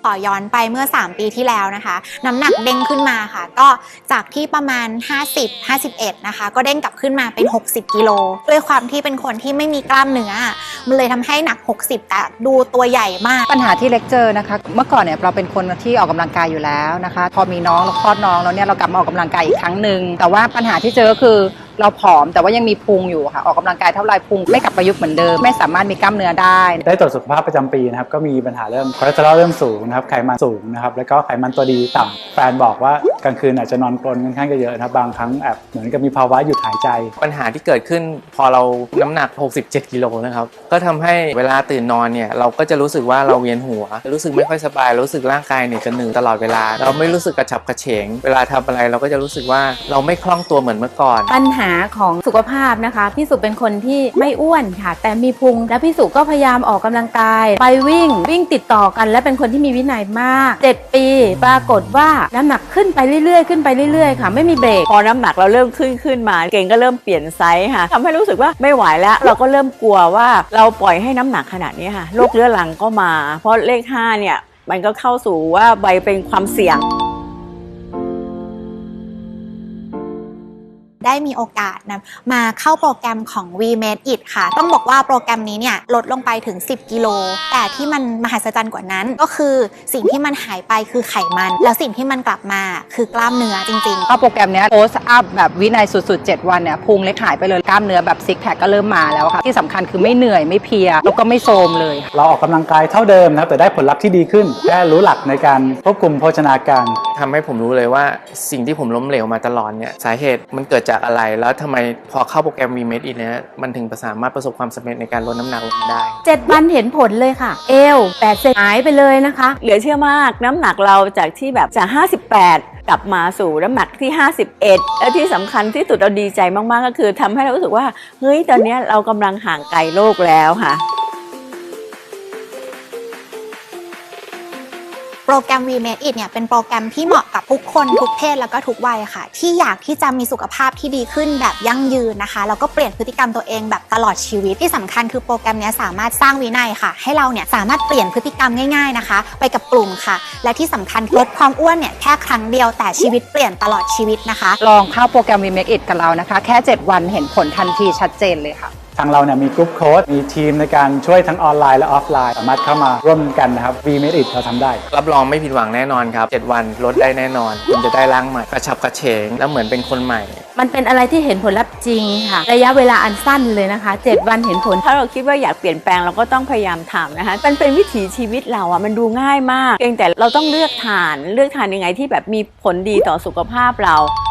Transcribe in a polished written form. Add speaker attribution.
Speaker 1: อย้อนไปเมื่อ3 ปีที่แล้วนะคะน้ำหนักเด้งขึ้นมาค่ะก็จากที่ประมาณ50-51นะคะก็เด้งกลับขึ้นมาเป็น60 กิโลด้วยความที่เป็นคนที่ไม่มีกล้ามเนื้อมันเลยทำให้หนัก60แต่ดูตัวใหญ่มาก
Speaker 2: ปัญหาที่เล็กเจอนะคะเมื่อก่อนเนี่ยเราเป็นคนที่ออกกำลังกายอยู่แล้วนะคะพอมีน้องเราคลอดน้องแล้วเนี่ยเรากลับมาออกกำลังกายอีกครั้งหนึ่งแต่ว่าปัญหาที่เจอก็คือเราผอมแต่ว่ายังมีพุงอยู่ค่ะออกกำลังกายเท่าไรพุงไม่กลับประยุกต์เหมือนเดิมไม่สามารถมีกล้ามเนื้อได้
Speaker 3: ตรวจสุขภาพประจำปีนะครับก็มีปัญหาเรื่องคอเลสเตอรอลเริ่มสูงนะครับไขมันสูงนะครับแล้วก็ไขมันตัวดีต่ำแฟนบอกว่ากลางคืนอาจจะนอนกรนค่อนข้างเยอะนะครับบางครั้งแอบเหมือนกับมีภาวะหยุดหายใจ
Speaker 4: ปัญหาที่เกิดขึ้นพอเราน้ำหนัก67 กิโลนะครับก็ทำให้เวลาตื่นนอนเนี่ยเราก็จะรู้สึกว่าเราเวียนหัวรู้สึกไม่ค่อยสบายรู้สึกร่างกายเนี่ยจะหนึ่งตลอดเวลาเราไม่รู้สึกกระฉับกระเฉงเวลาทำอะไรเราก็จะรู้สึกว่าเราไม่คล่องตัวเหมือนเมื่อก่อน
Speaker 5: ปัญหาของสุขภาพนะคะพี่สุเป็นคนที่ไม่อ้วนค่ะแต่มีพุงและพี่สุก็พยายามออกกำลังกายไปวิ่งติดต่อกันและเป็นคนที่มีวินัยมาก7 ปีปรากฏว่าน้ำหนักขึ้นไปเรื่อยๆค่ะไม่มีเบรก
Speaker 6: พอน้ำหนักเราเริ่มขึ้นมาเก่งก็เริ่มเปลี่ยนไซส์ค่ะทำให้รู้สึกว่าไม่ไหวแล้วเราก็เริ่มกลัวว่าเราปล่อยให้น้ำหนักขนาดนี้ค่ะโรคเรื้อรังก็มาเพราะเลข5เนี่ยมันก็เข้าสู่ว่าใบเป็นความเสี่ยง
Speaker 1: ได้มีโอกาสนะมาเข้าโปรแกรมของ We Made It ค่ะต้องบอกว่าโปรแกรมนี้เนี่ยลดลงไปถึง10 กิโลแต่ที่มันมหัศจรรย์กว่านั้นก็คือสิ่งที่มันหายไปคือไขมันแล้วสิ่งที่มันกลับมาคือกล้ามเนื้อจริงๆ
Speaker 2: ก็โปรแกรมนี้โพสอัพแบบวินัยสุดๆ7 วันเนี่ยพุงเล็กหายไปเลยกล้ามเนื้อแบบซิกแพคก็เริ่มมาแล้วค่ะที่สำคัญคือไม่เหนื่อยไม่เพลียแล้วก็ไม่โทรมเลย
Speaker 3: เราออกกำลังกายเท่าเดิมนะครับแต่ได้ผลลัพธ์ที่ดีขึ้นแค่รู้หลักในการควบคุมโภชนาการ
Speaker 4: ทำให้ผมรู้เลยว่าสิ่งที่ผมล้มเหลวมาตลอดเนี่ยสาเหตุมันเกิดจากอะไรแล้วทำไมพอเข้าโปรแกรม We Made It เนี่ยมันถึงสามารถประสบความสำเร็จในการลดน้ำหนักลงได้
Speaker 5: 7 วันเห็นผลเลยค่ะเอว8 เซนหายไปเลยนะคะ
Speaker 6: เหลือเชื่อมากน้ำหนักเราจากที่แบบจาก58กลับมาสู่น้ำหนักที่51และที่สำคัญที่สุดเราดีใจมากๆก็คือทำให้เรารู้สึกว่าเฮ้ยตอนนี้เรากำลังห่างไกลโลกแล้วค่ะ
Speaker 1: โปรแกรม We Made It เนี่ยเป็นโปรแกรมที่เหมาะกับทุกคนทุกเพศแล้วก็ทุกวัยค่ะที่อยากที่จะมีสุขภาพที่ดีขึ้นแบบยั่งยืนนะคะแล้วก็เปลี่ยนพฤติกรรมตัวเองแบบตลอดชีวิตที่สำคัญคือโปรแกรมนี้สามารถสร้างวินัยค่ะให้เราเนี่ยสามารถเปลี่ยนพฤติกรรมง่ายๆนะคะไปกับกลุ่มค่ะและที่สำคัญลดความอ้วนเนี่ยแค่ครั้งเดียวแต่ชีวิตเปลี่ยนตลอดชีวิตนะคะ
Speaker 2: ลองเข้าโปรแกรม We Make It กับเรานะคะแค่7 วันเห็นผลทันทีชัดเจนเลยค่ะ
Speaker 3: ทางเราเนี่ยมีกรุ๊ปโค้ชมีทีมในการช่วยทั้งออนไลน์และออฟไลน์สามารถเข้ามาร่วมกันนะครับ We Made It เราทำได้
Speaker 4: รับรองไม่ผิดหวังแน่นอนครับ7 วันลดได้แน่นอนคุณจะได้ร่างใหม่กระฉับกระเฉงแล้วเหมือนเป็นคนใหม่
Speaker 5: มันเป็นอะไรที่เห็นผลลัพธ์จริงค่ะระยะเวลาอันสั้นเลยนะคะ7 วันเห็นผล
Speaker 6: ถ้าเราคิดว่าอยากเปลี่ยนแปลงเราก็ต้องพยายามทำนะคะมันเป็นวิถีชีวิตเราอ่ะมันดูง่ายมากเพียงแต่เราต้องเลือกทานยังไงที่แบบมีผลดีต่อสุขภาพเรา